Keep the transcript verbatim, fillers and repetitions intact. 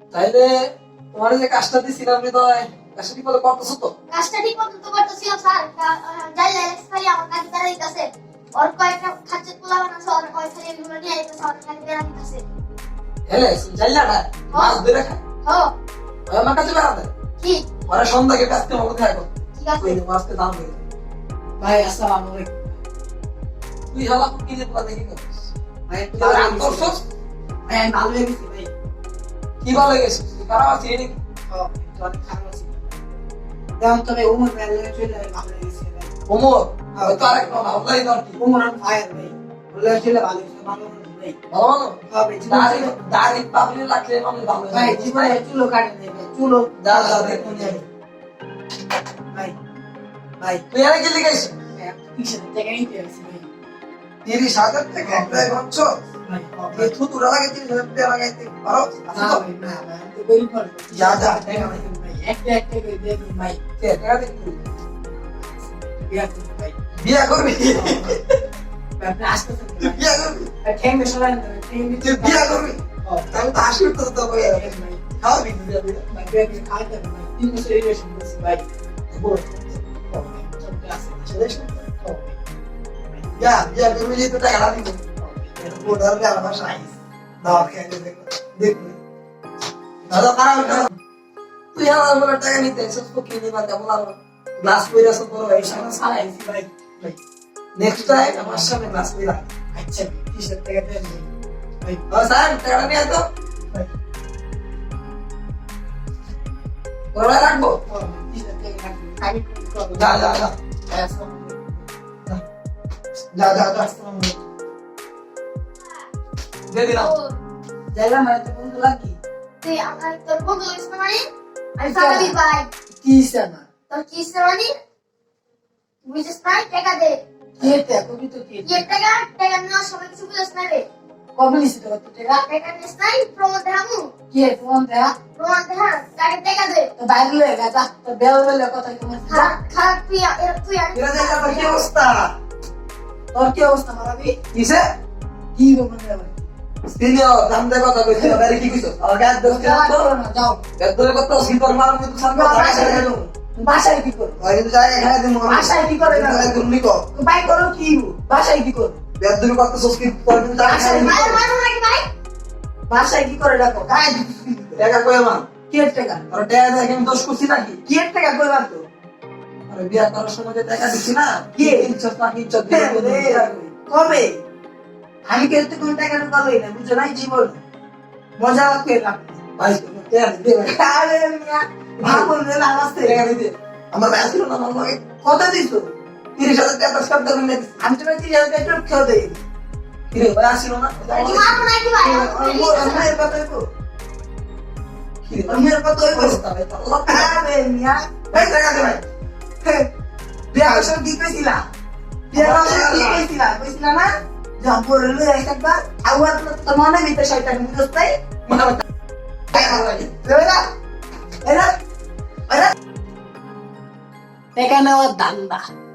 তাইলে তোমার যে কাজটা দিছিলাম হৃদয়, কাজটা ঠিক মতো করতেছো তো? কাজটা ঠিক মতো তো করতেছিলাম স্যার। যাই লেক্স খালি আমার কাছে তারা দিতেছে। ওর কয়েকটা খাচ্চে পোলা বানাছে, ওর কয়েক খালি এগুলো নিয়ে আইতেছে, ওর কাছে বেরা দিতেছে। হেলে যাইলা না মাছ ধরে খায়। হ্যাঁ ওই আমার কাছে বেড়াতে কি ওরা সন্ধ্যাকে কাজকে মতো থাকো। ঠিক আছে ওই মাছকে দাম দিয়ে দাও। ভাই আসসালামু আলাইকুম। তুই হালা কি যে পোলা দেখি করিস ভাই একটু তোর ভালো রাগ হয়ে গেছে। করছস? ভাই আমি ভালো হয়ে গেছি ভাই। কি ভালো গেছিস তুই খারাপ আছিস নাকি? ও, একটু অনেক খারাপ আছি। যেমন তবে উমর ভাই লয়ে চলে আমি ভালো হয়ে গেছি ভাই। ওমর হয়তো আরেক না আল্লাহই দর কি উমর আমার ভাই আর ভাই। লয়ে চলে ভালো হয়েছে, ভালো হয়েছে ভাই। ভালো ভালো হ্যাঁ ভাই, জীবনে- দাড়ি দাড়ি পাবলি রাখলে মানুষ ভালো হয়। ভাই জীবনে চুলো কাটে নাই ভাই, চুলো যা যা দেখুন ভাই ভাই তুই আর কি লিখাইছিস? কিসের টাকা নিতে আসছি ভাই। তিরিশ হাজার টাকা একটাই ভাবছো? ভাই এই থুতুরা লাগে তিরিশ হাজার টাকা লাগাইতে পারো? না ভাই না ভাই, আমি তো গরিব মানুষ। যা, যা। টাকা নাই ভাই, একটা একটা করে দিয়ে দিন ভাই। কে টাকা দিবি? বিয়া করুন ভাই। বিয়া করবি? ভাই, আপনি আসতেছেন তুই ভাই। বিয়া করবি? আর ঠ্যাঙ্গে সরাই না ভাই, ঠ্যাঙ্গে তুই বিয়া করবি? ও, আমি তো হাসি উঠতেছে তো কই আর। ভাই, খাওয়াবি কি বিয়া বিয়া? ভাই, বিয়া করে খাওয়াতে হবে ভাই। তিন বছর রিলেশন করছি ভাই। বল। ও, ভাই, সব ক্লাসে। ছেলে শুন। ও, ভাই, বিয়া বিয়া করবি যে তো টাকা দিব। ও, ভাই। বোর্ড আর বিয়া আমার সাইজ। দাও খেয়ে দেখ। দেখবি। দাদা খারাপ না। তুই আমার বলে টাকা নিতে এসেছিস ফকির নিবা কেমন আর গ্লাস কইরা সব বড় এই সামনে চালাইছি ভাই। ভাই, নেক্সট টাইম আমার সামনে গ্লাস কইরা আচ্ছা ভাই, কিসের টাকা দেন ভাই? ভাই, ও স্যার টাকা নিয়ে তো ভাই, ওরা রাখবো ও, কিসের টাকা রাখবেন? আমি কোন করবো? যা যা যা ভাই, আসসালামু আলাইকুম। যা যা যা আসসালামু আলাইকুম। দিয়ে দিলাম যাইলাম মানে তো বন্ধু লাগি। তুই আমার তোর বন্ধু ইসনা মানে আমি সারাবি ভাই। কি ইচ্ছা না? তোর কি ইসনা মানে বুঝছিস না? টাকা দে। কি এটা? কবি তো কি? কি টাকা? টাকা নেওয়ার সময় কিছু বুঝছিস না রে? কবে নিছি তো কত টাকা? টাকা নিস নাই, প্রমাণ দেখামু। কি এ ফোন দেয়া? প্রমাণ দেখা, টাকা টাকা দে। তো বাইরে লয়ে গেছা, তো বেল বেলে কথা কমে যা। খারাপ খারাপ তুই আর- তুই আর এরা যাই আমার কি অবস্থা তোর কি অবস্থা মারাবি? কিসে কি বলবো না ভাই? সিনিয়র দাম দে কথা কইছে আরে কি কইছো আর গাদ দোস কেন যাও, তো করো না, যাও। গাদ ধরে কত সিতর মার মতো সামনে যাও, টাকা বাসায় দেখাই যাও। দাও বাসায় কি করো? আর কিন্তু যাই এখানে দিন মনে বাসায় কি করে না? তুমি কো বাই করো কি? বাসায় কি করো? গাদ ধরে কত সস্কি পর কিন্তু টাকা বাসায় খাই মার মার নাকি ভাই? বাসায় কি করে ডাকো? গায়ে টাকা কই আমার কি এর টাকা? আর টাকা দেখে আমি দোষ করছি নাকি কি এর টাকা কইবার তো? আরে বিয়া করার সময় যে টাকা দিছি না কে? ইজ্জত না ইজ্জত হে রে, কবে? আমি কিন্তু কোন টাকা ঢুকালোই না, বুঝো নাই জীবন। মজা পেলাম। ভাই টাকা দিতে ভাই আরে মিয়া, ভাবুন রে নামাজতে। টাকা দিতে আমার ভাই ছিল না আমার লগে কত দিছো? তিরিশ হাজার টাকা সব দাম নিয়ে দিছি আমি তোমার তিরিশ হাজার টাকা খেয়ে দেই। কি রে ভাই আসিল না তুই মারবো নাকি ভাই? আমার কথা কো। কি রে আমার কথা কো। অবস্থা ভাই আল্লাহ আরে মিয়া, ভাই টাকা দে ভাই বিয়া বছর কি কইছিলা? বিয়া বছর কি কইছিলা? কইছিলা না? জম্পর লই একবার আওয়াজ তো মনে ভিতর শয়তান বুঝছাই? মানে টাকা লাগে এরা এরা এরা টাকা নেওয়ার দান্দা।